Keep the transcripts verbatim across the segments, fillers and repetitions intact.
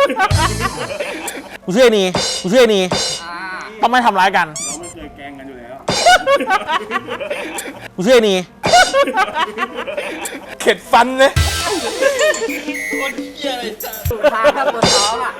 กูเชื่อนี่กูเชื่อนี่ต้องไม่ทำร้ายกันเราไม่เคยแกล้งกันอยู่แล้วกูเชื่อนี่เข็ดฟันเลยคนเหี้ยอะไรจ้ะพาข้าบนท้องอ่ะ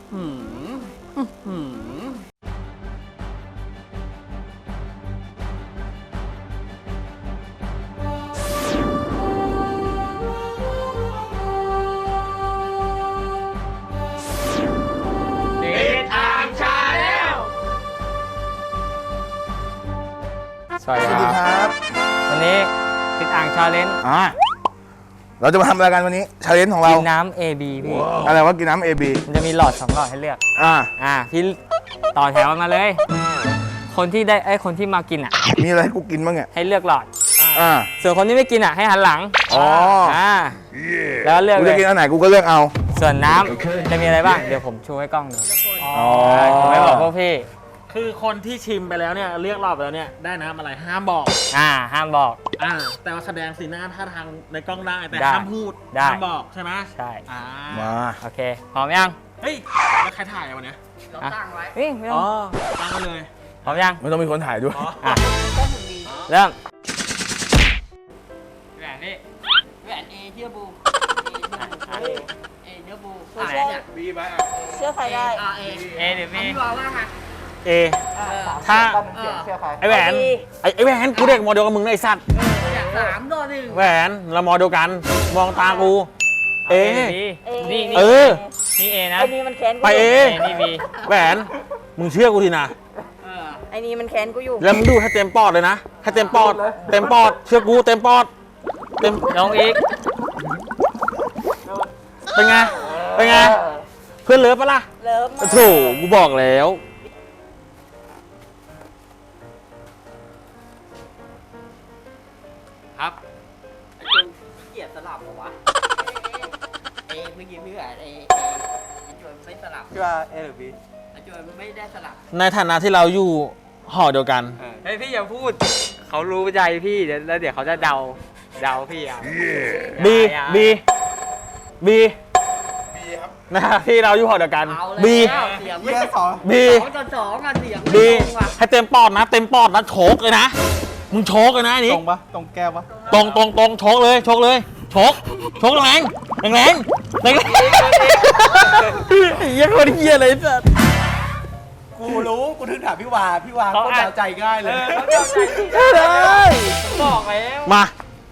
สวัสดีครับวันนี้ติดอ่างชาเลนจ์อ่าเราจะมาทำอะไรกันวันนี้ชาเลนจ์ของเรากินน้ำ เอ บี พี่อะไรวะกินน้ำ เอ บีมันจะมีหลอดสองหลอดให้เลือกอ่าอ่าพี่ต่อแถวมาเลย คนที่ได้ไอ้คนที่มากินอ่ะมีอะไรให้กูกินบ้างเนี่ยให้เลือกหลอดอ่าส่วนคนที่ไม่กินอ่ะให้หันหลังอ๋ออ่าแล้วเลือกกูจะกินอันไหนกูก็เลือกเอาส่วนน้ำจะมีอะไรบ้างเดี๋ยวผมชูให้กล้องดูอ๋อผมไม่บอกพวกพี่คือคนที่ชิมไปแล้วเนี่ยเรียกรอบไปแล้วเนี่ยได้น้ำอะไรห้ามบอกอ่าห้ามบอกอ่าแต่ว่าแสดงสีหน้าท่าทางในกล้องได้แต่ห้ามพูดห้ามบอกใช่ไหมใช่อ่ามาโอเคพร้อมยังเฮ้ยแล้วใครถ่ายวันนี้เราตั้งไว้เฮ้ยไม่ต้องอ๋อตั้งไว้เลยพร้อมยังไม่ต้องมีคนถ่ายด้วยอ่ะเริ่มแหวนนี่แหวนเอเทียบูเอเทียบูเชื่อเนี่ยบีไปอ่ะเชื่อใครได้เอเอหรือบีพี่บอกว่าไงเอถ้าไอแหวนไอไอแหวนกูเด็กมอเดียวกับมึงไอสัตว์สามต่อหนึ่งแหวนเรามอเดียวกันมองตากูเอนี่เออนี่เอนะไอนี่มันแค้นไปเอนี่บีแหวนมึงเชื่อกูทีนะไอนี่มันแค้นกูอยู่แล้วมึงดูให้เต็มปอดเลยนะให้เต็มปอดเต็มปอดเชื่อกูเต็มปอดเต็มลงอีกเป็นไงเป็นไงเพื่อนเลิฟปะล่ะเลิฟโถกูบอกแล้วครับไอจุนเกลียดสลับเหรอวะเอเมื่อกี้พี่แหวนเอเอไอจุนไม่สลับพี่ว่าเอหรือบีไอจุนไม่ได้สลับในฐานะที่เราอยู่หอเดียวกันเฮ้ยพี่อย่าพูดเขารู้ใจพี่แล้วเดี๋ยวเขาจะเดาเดาพี่อ่ะบีบีบีนะที่เราอยู่หอเดียวกันบีบีบีสองต่อสองอ่ะเสียงบีให้เต็มปอดนะเต็มปอดนะโชกเลยนะมึงโชกเลยนะนี่ตรงปะตรงแก้วปะตรงตรงตรงโชกเลยโชกเลยโชกโชกแรงแรงแรงแรงเยี่ยคนเยี่ยเลยสัสกูรู้กูถึงถามพี่วาพี่วาก็เดาใจง่ายเลยเขาเดาใจเลยบอกแล้วมา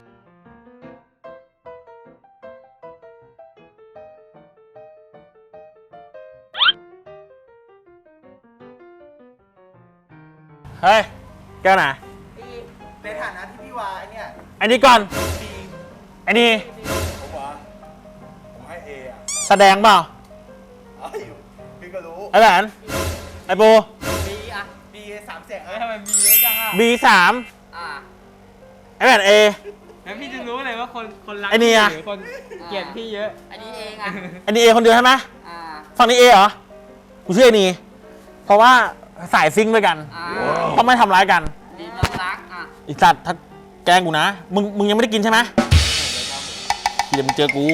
เฮ้ยแก้วไหนในฐานะที่พี่วาไอเนี่ยอันนี้ก่อนอันนี้ผมว่าผมให้เออะแสดงเปล่าพี่ก็รู้ไอแหวนไอโบบีอะบีสามเสียงเฮ้ยทำไมบีเยอะจังอะบีสามไอแหวนเอแล้วพี่จะรู้เลยว่าคนคนรักไอนี่อะคนเกลียดพี่เยอะอันนี้เองอะอันนี้เอคนเดียวใช่ไหมฝั่งนี้เอเหรอกูเชื่อนี่เพราะว่าสายซิงด้วยกันต้องไม่ทำร้ายกันดีน้องรักอ่ะอีสัตว์ถ้าแกล้งกูนะมึงมึงยังไม่ได้กินใช่ไหมเดี๋ยวมึงเจอกู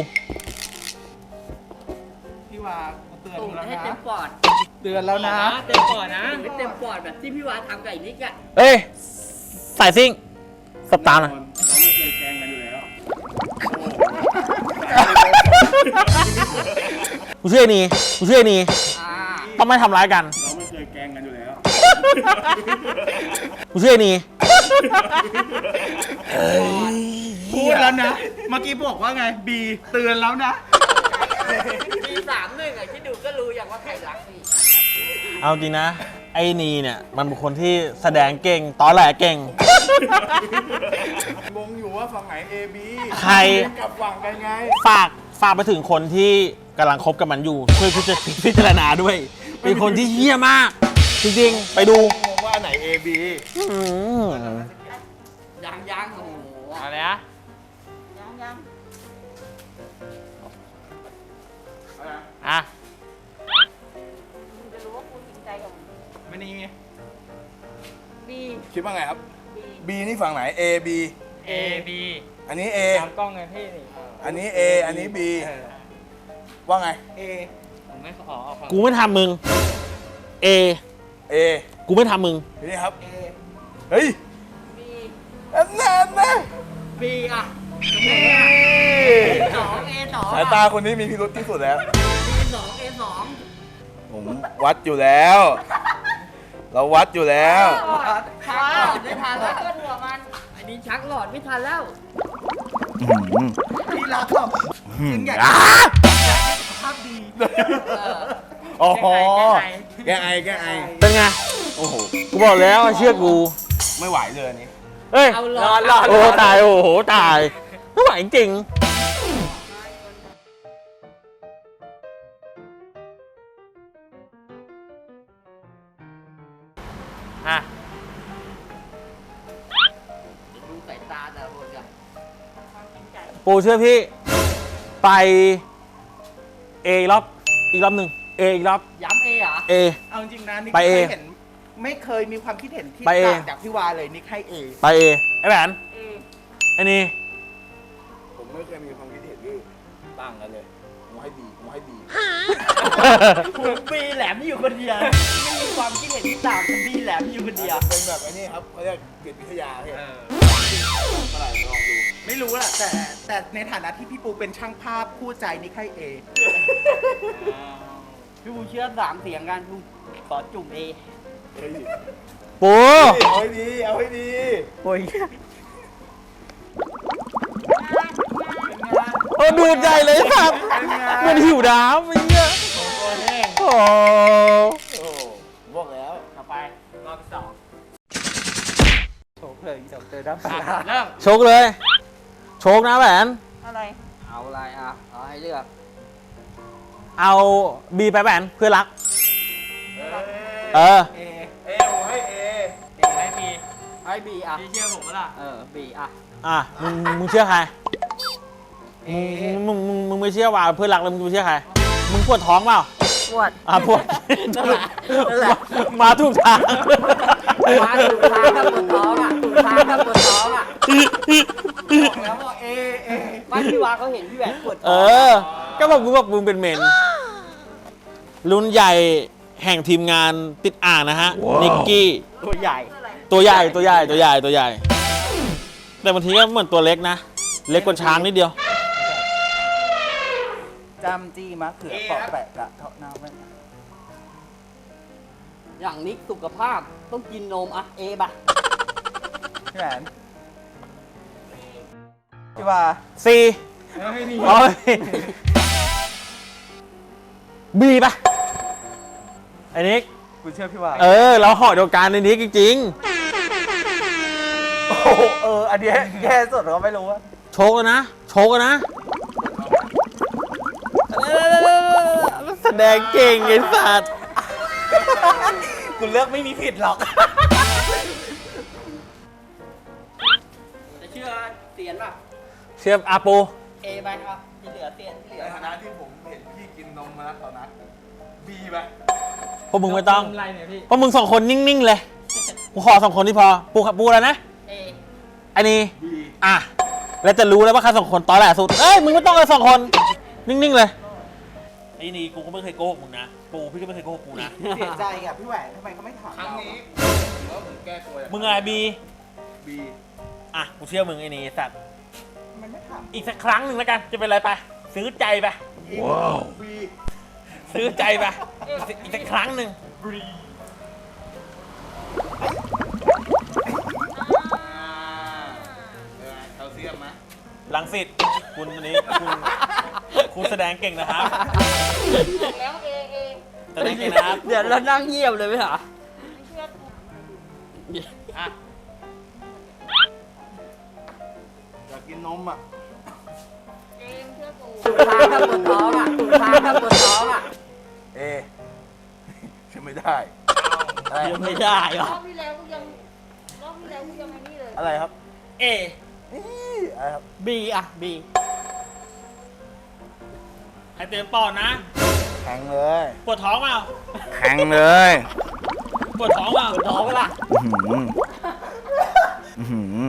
พี่วาเตือนแล้วนะให้เต็มปอดเตือนแล้วนะเต็มปอดนะให้เต็มปอดแบบที่พี่วาทำกับไอ้นิกอ่ะเอ้ยสายซิงสตาร์นะเราไม่เคยแกล้งกันอยู่แล้วกูเชื่อนี่กูเชื่อนี่ต้องไม่ทำร้ายกันเราไม่เคยแกล้งกันอยู่แล้วกูเชื่อนี่พูดแล้วนะเมื่อกี้บอกว่าไงบีเตือนแล้วนะบีสามหนึ่งอ่ะที่ดูก็รู้อย่างว่าใครรักพี่เอาจริงนะไอ้นีเนี่ยมันเป็นคนที่แสดงเก่งตอแหลเก่งงงอยู่ว่าฝั่งไหน A B ใครกับฝั่งกันไงฝากฝากไปถึงคนที่กำลังคบกับมันอยู่ช่วยพิจารณาด้วยเป็นคนที่เหี้ยมากจริงๆไปดูว่าไหน A B ยังยังโอ้โหอะไรนะยังยังอ่ะคุณจะรู้ว่าคุณจริงใจกับผมไม่นี่ไง B คิดว่าไงครับ B นี่ฝั่งไหน A B A B อันนี้ A ตามกล้องไงพี่นี่อันนี้ A อันนี้ B ว่าไง A ผไม่ขอเอาความกูไม่ทำมึง A เอกูไม่ทำมึงนี่ครับเอเฮ้ยบีอันนั้นอันนั้นบีอ่ะเอ้ยสองเอสองสายตาคนนี้มีพิรุธที่สุดแล้วบีสองเอสองผมวัดอยู่แล้ว เราวัดอยู่แล้วชักหลอดไม่ทันแล้วก็หัวมันอันนี้ชักหลอดไม่ทันแล้วที่รักแบบจริงอยากอ่าภาพดีเอออ๋อแก้ไอแก้ไอแก้ไอเป็นไงโอ้โหกูบอกแล้วเชื่อกูไม่ไหวเลยอันนี้เอ้ยเอาหลอดหลอดโอ้ตายโอ้โหตายไม่ไหวจริงอ่ะดูสายตาแต่ละคนกันปูเชื่อพี่ ไป A อีกรอบอีกรอบหนึ่ง A อีกรอบย้ำเอเหรอ A เอาจริงนะนิกไปไม่เอเคยเห็นไม่เคยมีความคิดเห็นที่ไปเอต่างจากพี่วาเลยนิกให้เอไป A ไอ้แหวนเอไอ้นี่ผมไม่เคยมีความคิดเห็นที่ต่างกันเลยผมให้บีผมให้บีผมบีแหลมอยู่คนเดียวไม่มีความคิดเห็นที่ต่างกันบีแหลมอยู่คนเดียวเป็นแบบไอ้นี่ครับเขาเรียกเกียรติวิทยาพี่เท่าไหร่ลองดูไม่รู้แหละแต่แต่ในฐานะที่พี่ปูเป็นช่างภาพคู่ใจนิกให้เอพี่บูเชื่อสามเสียงกันพี่ขอจุ่มเอเฮ้ยปูเอาให้ดี เอาให้ดีโอ้ยโอ้ดูดใหญ่เลยครับเหมันหิวน้ำไอ้เหี้ยโอ้โอ้บอกแล้วต่อไปรอบที่สองโชคเลยเดี๋ยวเจอด้านปอ่ะเริ่มโชคเลย โชคนะแหวนอะไรเอาอะไรอ่ะเอาให้เลือกเอา B ไปแหวนเพื่อนรัก เออเอเอผมให้เอเอให้บีให้บีอ่ะพี่เชื่อผมล่ะเออบีอ่ะอ่ะมึงมึงเชื่อใคร มึงมึงมึงมึงไม่เชื่อว่าเพื่อนรักแล้วมึงจะไปเชื่อใคร มึงปวดท้องเปล่าปวดอ่ะปวดนั่นแหละนั่นแหละมาถูกทางมาถูกทางกับปวดท้องอ่ะถูกทางกับปวดท้องอ่ะบอกแล้วว่าเอเอไม่พี่วาเขาเห็นพี่แหวนปวดเอท้องอ ก็บอกมึงบอกมึงเป็นเมน รุ่นใหญ่แห่งทีมงานติดอ่างนะฮะ นิกกี้ตัวใหญ่ตัวใหญ่ตัวใหญ่ตัวใหญ่ตัวใหญ่ แต่บางทีก็เหมือนตัวเล็กนะ เล็กกว่าช้างนิดเดียวจำจี้มะเขือเปอกแปะกระเทาะน้ำไว้อย่างนิกสุขภาพต้องกินนมอ่ะเอป่ะพี่แหวนพี่วา C ไม่มีโอ้ย B ป่ะไอ้นิกกูเชื่อพี่วาเออ เราห่อเดียวกันในนิกจริงโอ้โหเอออันนี้แย่สุดเราไม่รู้ว่าๆ โชกนะ โชกนะ แสดงเก่งไอ้สัตว์กูเลือกไม่มีผิดหรอกจะเชื่อเสียนป่ะเชื่ออาปูเอไปครับที่เหลือเสียนที่เหลืในอฐานะที่ผมเห็นพี่กินนมมาแล้วตอนนั้นบีไปพวกมึงไม่ต้องอะไรเนี่ยพี่พวกมึงสองคนนิ่ง ๆ เลย กูขอสองคนที่พอ ปูครับปูแล้วนะเออันนี้บีอ่ะ แล้วจะรู้แล้วว่าใครสองคนตอแหลสุด เอ้ย มึงไม่ต้องเลยสองคน นิ่ง ๆ เลย ไอ้นี่กูก็ไม่เคยโกหกมึงนะ ปูพี่ก็ไม่เคยโกหกกูนะเสียใจอ่ะพี่แหวนทำไมเขาไม่ถามครั้งเรานี้ผมว่าผมแก้ตัวมึงอะไรบีบีอ่ะ กูเชื่อมึงไอ้นี่สัตว์มันไม่ถามอีกสักครั้งหนึ่งแล้วกัน จะเป็นอะไรไป ซื้อใจไปว้าวบีซื้อใจไป อีกสักครั้งหนึ่งแคลเซียมไหมลังสิตคุณวันนี้คุณคุณแสดงเก่งนะครับบอกแล้วเอเอแสดงเก่งนะครับเดี๋ยวเรานั่งเงียบเลยไหมเหรอไม่เชื่อกูอ่ะอยากกินนมอ่ะเจมส์เชื่อกูถูกทางกับปวดท้องอ่ะถูกทางกับปวดท้องอ่ะเอใช่ไม่ได้อะไรยังไม่ได้หรรออบที่แล้วกูยังรอบที่แล้วกูยังไอ้นี่เลยอะไรครับเอนี่อะไรครับบีอ่ะบีให้เตรียมปอดนะแข็งเลยปวดท้องเปล่าแข็งเลยปวดท้องเปล่าปวดท้องเปล่าอื้อหือ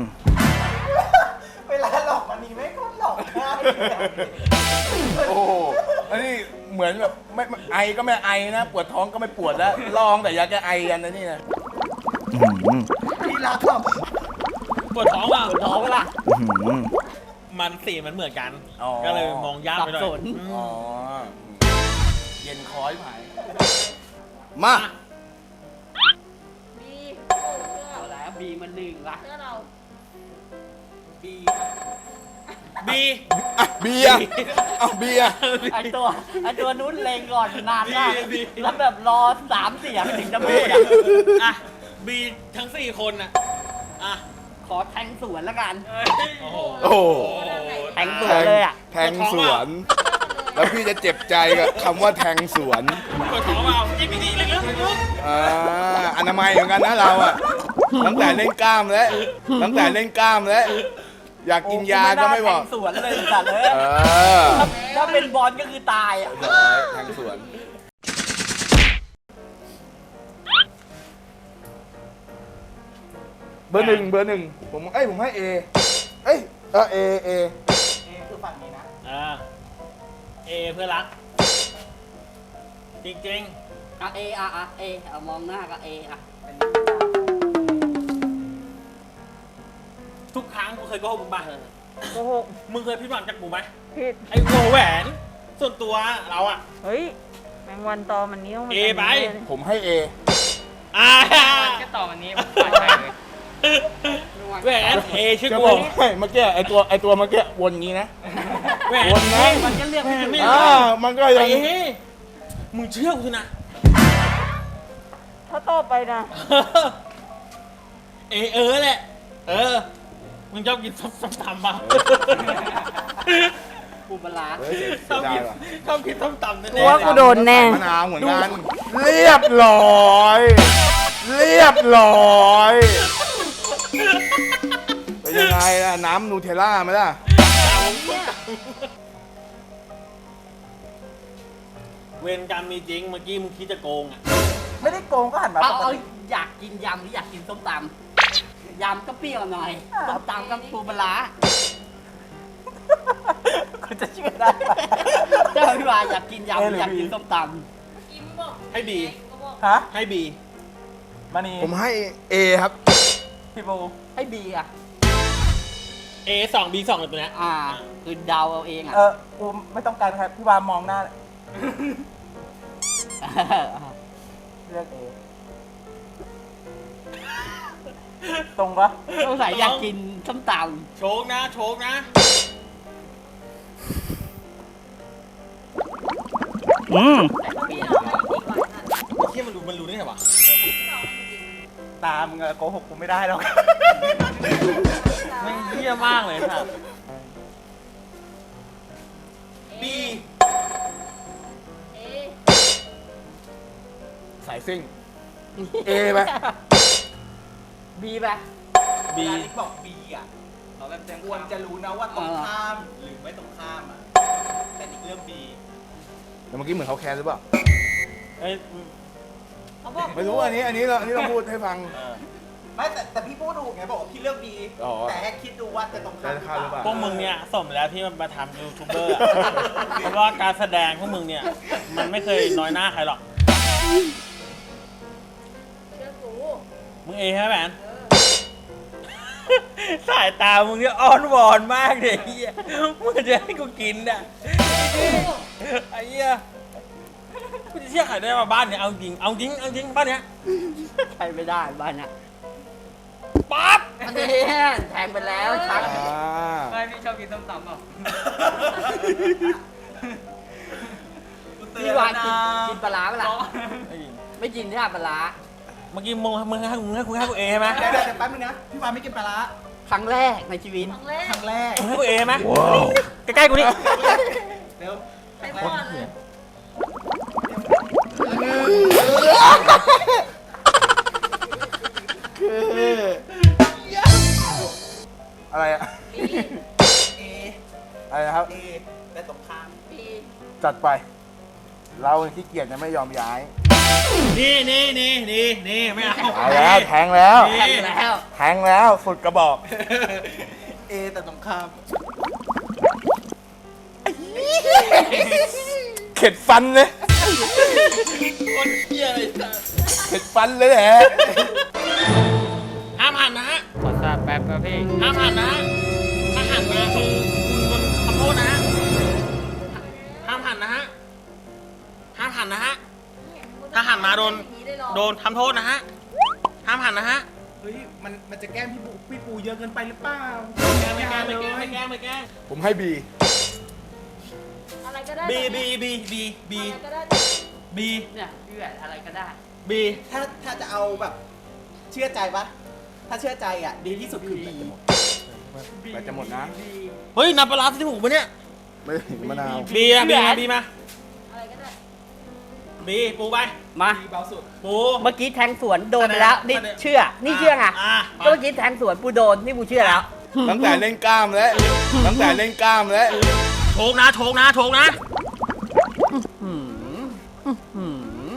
เวลาหลอกมันนี้ไม่ก็หลอกง่ายโอ้โหอันนี้เหมือนแบบไม่ไม่ไอก็ไม่ไอนะ ปวดท้องก็ไม่ปวดแล้วลองแต่ยาแก้ไอกันนะนี่นะที่รักครับปวดท้องเปล่าท้องล่ะมันสีมันเหมือนกันอ๋อก็เลยมองยากไปหน่อยสับสนอืมอ๋อเย็นคอยผายมาบีโอ้เชื่อเอาแล้วบีมันหนึ่งละเชื่อเราบีบีอ่ะเบียร์เอาเบียร์ไอตัวไอตัวนู้นเลงก่อนนานมากแล้วแบบรอสามเสียงถึงจะพูดอ่ะอ่ะบีทั้งสี่คนน่ะอ่ะขอแทงสวนแล้วกันโอ้โหโอ้โหแทงสวนเลยอ่ะแทงสวน แล้วพี่จะเจ็บใจกับคำว่าแทงสวนปวดท้องเปล่าอีกนิดนึงลึกๆลึกอ่าอนามัยเหมือนกันนะเราอะตั้งแต่เล่นกล้ามแล้ว ตั้งแต่เล่นกล้ามแล้ว อยากกินยาก็ไม่บอกแทงสวนเลยสัตว์เลยเออถ้าเป็นบอลก็คือตายอ่ะเรียบร้อยแทงสวน เบอร์หนึ่งเบอร์หนึ่งผมเอ้ยผมให้เอเอ้ยเออเอเอคือฝั่งนี้นะๆอ่าเอเพื่อนรัก จริงอ่ะเออ่ะอ่ะเอเอามองหน้าก็เออ่ะๆ ทุกครั้งกูเคยโกหกมึงป่ะโกหกมึงเคยผิดหวังจากกูไหมผิดไอ้หัวแหวน ส่วนตัวเราอะเฮ้ย แมงวันตอมันนิ้วมันเอไปผมให้เออ่าแค่ต่อวันนี้ผมปล่อยไปเลยแหวนเอชื่อจะกูบอกให้เมื่อกี้ไอตัวไอตัวเมื่อกี้วนงี้นะแหวนวนนะมันก็เรียกแหวไม่นถูไม่กได้อ่ามันก็ยังไอ้เฮ้ยมึงเชื่อกูสินะถ้าต่อไปนะเอเออแหละ เออ มึงชอบกินส้มตำป่ะปูปลาร้าเฮ้ยเสียชอบดายกินว่ะชอบกินส้มตำแน่กูว่ากูโดนแน่มะนาวเหมือนกัน เรียบร้อย เรียบร้อยเป็นยังไงล่ะ น้ำนูเทลล่าไหมล่ะเวรกรรมมีจริง เมื่อกี้มึงคิดจะโกงอ่ะไม่ได้โกงก็หันมาเอาปกเอาติอยากกินยำหรืออยากกินส้มตำยำก็เปรี้ยวหน่อยส้มตำก็ปูปลาร้าคุณจะเชื่อได้ปะเจ้าพี่วาอยากกินยำหรืออยากกินส้มตกิมบอกให้บีก็บอกฮะให้บีมานีผมให้เอครับพี่โบำให้บีอ่ะเอสองบีสองเลยตัวเนี้ยอ่าคือเดาเอาเองอ่ะเออกูไม่ต้องการครับพี่วามองหน้าเลือกเอตรงปะสงสัยอยากกินส้มตโชคนะ โชคนะอืมำแต่เปรี้ยวไอ้เชี่ยมันรู้มันรู้ได้ไงวะตามึงอะโกหกกูไม่ได้หรอกไม่งเหี้ยมากเลยครับบีเอสายซิ่ง เอไหมบีไปบีบอกบีอ่ะเราแบบควรจะรู้นะว่าตรงข้ามหรือไม่ตรงข้ามอ่ะ แต่นี่เรื่องบีแต่เมื่อกี้เหมือนเขาแคร์หรือเปล่าเอ้ยเขาบอกไม่รู้อันนี้ อันนี้เราอันนี้เราพูดให้ฟังไม่แต่แต่พี่พูดถูกไงบอกว่าพี่เลือกบีอ๋อแต่แค่คิดดูว่าจะตรงข้ามหรือจะเข้าหรือเปเปล่าล่าพวกมึงเนี่ยสมแล้วที่มันมาทำยูทูบเบอร์อะเพราะว่าการแสดงพวกมึงเนี่ย มันไม่เคยน้อยหน้าใครหรอกเชื่อกูมึงเอใช่ไหมแมนสายตามึงเนี่ยอ้อนวอนมากเลยไอ้เหี้ยมึงจะให้กูกินอ่ะไอ้เหี้ยกูจะเชื่อใครได้มาบ้านเนี่ยเอาจริงเอาจริงเอาจริงบ้านเนี้ยใช้ไม่ได้บ้านเนี้ยปั๊บอันนี้แทงไปแล้วชักอ่าไม่พี่ชอบกินส้มตำเปล่าพี่วากินกินปลาร้าเปล่าไอ้หญิงไม่กินใช่ปลาร้าเมื่อกี้มึงมึงให้มึงให้กูให้กูเอใช่ไหมเดี๋ยวเดี๋ยวเดี๋ยวแป๊บนึงนะ พี่วาไม่กินปลาร้าครั้งแรกในชีวิตครั้งแรกครั้งแรกมึงให้กูเอใช่ไหมใกล้ๆกูนี่เดี๋ยวไปก่อนเลยอะไรอะบีเออะไรนะครับเอแต่ตรงข้ามบีจัดไป เราขี้เกียจจะไม่ยอมย้ายนี่นี่นี่นี่นี่ไม่เอาเอาแล้วแทงแล้วแทงแล้วแทงแล้วสุดกระบอกเอแต่ตรงข้ามเคข็ดฟันเลยคนเหี้ยเลยสัสเข็ดฟันเลยแหละห้ามหันนะฮะขอทราบแป๊บครับพี่ห้ามหันนะฮะถ้าหันมาคือคุณโดนทำโทษนะฮะห้ามหันนะฮะห้ามหันนะฮะ ถ้าหันมาโดน โดนทำโทษนะฮะห้ามหันนะฮะเฮ้ยมันมันจะแกล้งพี่ปูพี่ปูเยอะเกินไปหรือเปล่าไม่แกล้งไม่แกล้งไม่แกล้งไม่แกล้งผมให้บีอะไรก็ได้บีบีบีบีบีอะไรก็ได้บีเนี่ยพี่แหวนอะไรก็ได้บีถ้าถ้าจะเอาแบบเชื่อใจปะถ้าเชื่อใจอ่ะดีที่สุดคือบีไปจะหมดนะเฮ้ยน้ำปลาร้าที่หูปะเนี่ยไม่ถึงมะนาวบีนะบีมาบีมาอะไรก็ได้บีปูไปมาบีเบาสุดปูเมื่อกี้แทงสวนโดนไปแล้ว นี่แสดงเชื่อ นี่เชื่อไงอ่ะก็เมื่อกี้แทงสวนปูโดน นี่ปูเชื่อแล้วตั้งแต่เล่นกล้ามแล้ว ตั้งแต่เล่นกล้ามแล้วโชกนะโชกนะโชกนะหืมหืม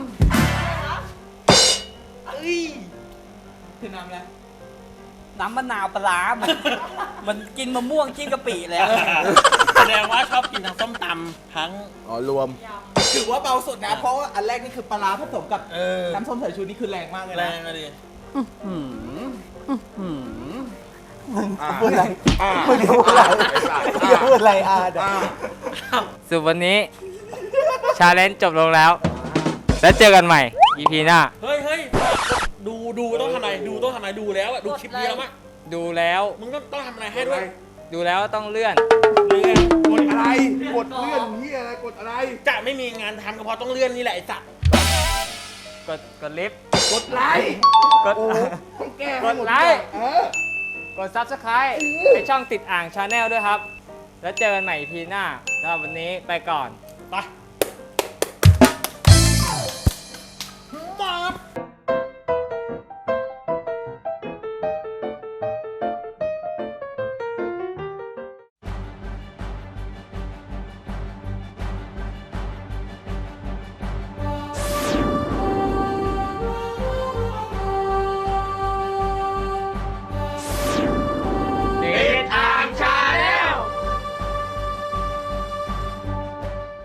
เอ้ยคือน้ำแล้วน้ำมะนาวปลาร้ามัน มันกินมะม่วงกินกะปิเลยอะแสดงว่าชอบกินทั้งส้มตำทั้งอ๋อรวมถือว่าเบาสุดนะ เพราะว่าอันแรกนี่คือปลาร้าผสมกับเออน้ำส้มสายชูนี่คือแรงมากเลยแรนะงอะดิหืมหืมพูดอะไรอ่าพูดอะไรพูดอะไรอ่ะอ่าสุดวันนี้ ชาเลนจ์จบลงแล้ว แล้วเจอกันใหม่ อี พี หน้าเฮ้ยเฮ้ยดูดูต้องทำอะไรดูต้องทำอะไรดูแล้วอะดูคลิปนี้แล้วมั้ยดูแล้วมึงต้องต้องทำอะไรให้ด้วยดูแล้วต้องเลื่อนเลื่อนกดอะไร กดเลื่อนเฮียอะไร กดอะไรจะไม่มีงานทำก็เพราะต้องเลื่อนนี่แหละไอ้สัตว์กด กดลิฟต์กดไลค์กดต้องแก้กดไลค์เออกด ซับสไครบ์ ในช่องติดอ่างชาแนลด้วยครับ แล้วเจอกันใหม่ อี พี หน้าสำหรับวันนี้ไปก่อนไป